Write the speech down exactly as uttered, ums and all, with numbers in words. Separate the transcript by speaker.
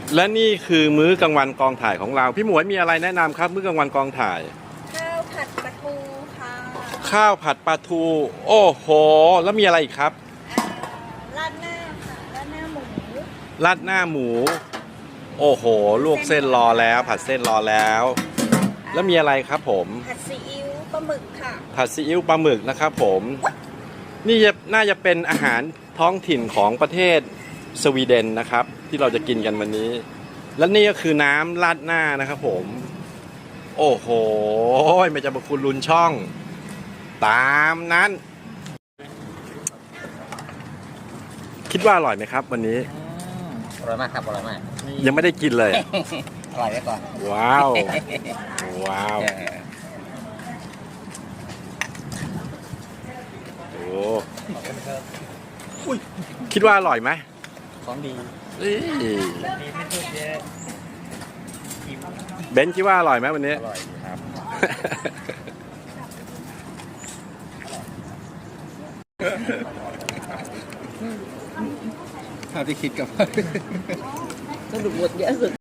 Speaker 1: และนี่คือมื้อกลางวันกองถ่ายของเราพี่หมวยมีอะไรแนะนำครับมื้อกลางวันกองถ่าย
Speaker 2: ข้าวผัดปลาทูค่ะ
Speaker 1: ข้าวผัดปลาทูโอ้โหแล้วมีอะไรอีกครับ
Speaker 2: อ่าราดหน้าค่ะราดหน้าหมู
Speaker 1: ราดหน้าหมูโอ้โหลวกเส้นรอแล้วผัดเส้นรอแล้ว แล้วมีอะไรครับผม
Speaker 2: ผัดซีอิ๊วปลาหมึกค่ะ
Speaker 1: ผัดซีอิ๊วปลาหมึกนะครับผมนี่จะน่าจะเป็นอาหารท้องถิ่นของประเทศสวีเดนนะครับที่เราจะกินกันวันนี้ และนี่ก็คือน้ำราดหน้านะครับผมโอ้โหไม่จะมาคุณลุนช่องตามนั้น คิดว่าอร่อยไหมครับวันนี้
Speaker 3: อร่อยมากครับอร่อยมาก
Speaker 1: ยังไม่ได้กินเลย
Speaker 3: อร่อยไว้ก่อน
Speaker 1: ว้าวว้าวโอ้อุ๊ยคิดว่าอร่อยไหม
Speaker 3: ของดี
Speaker 1: เอ้ย
Speaker 3: ดีไม่พูดเยอะ
Speaker 1: เบนซ์คิดว่าอร่อยไหมวันนี้
Speaker 3: อร่อยครับ เท่าที่คิดกับ
Speaker 2: สรุปหมดเยอะสุด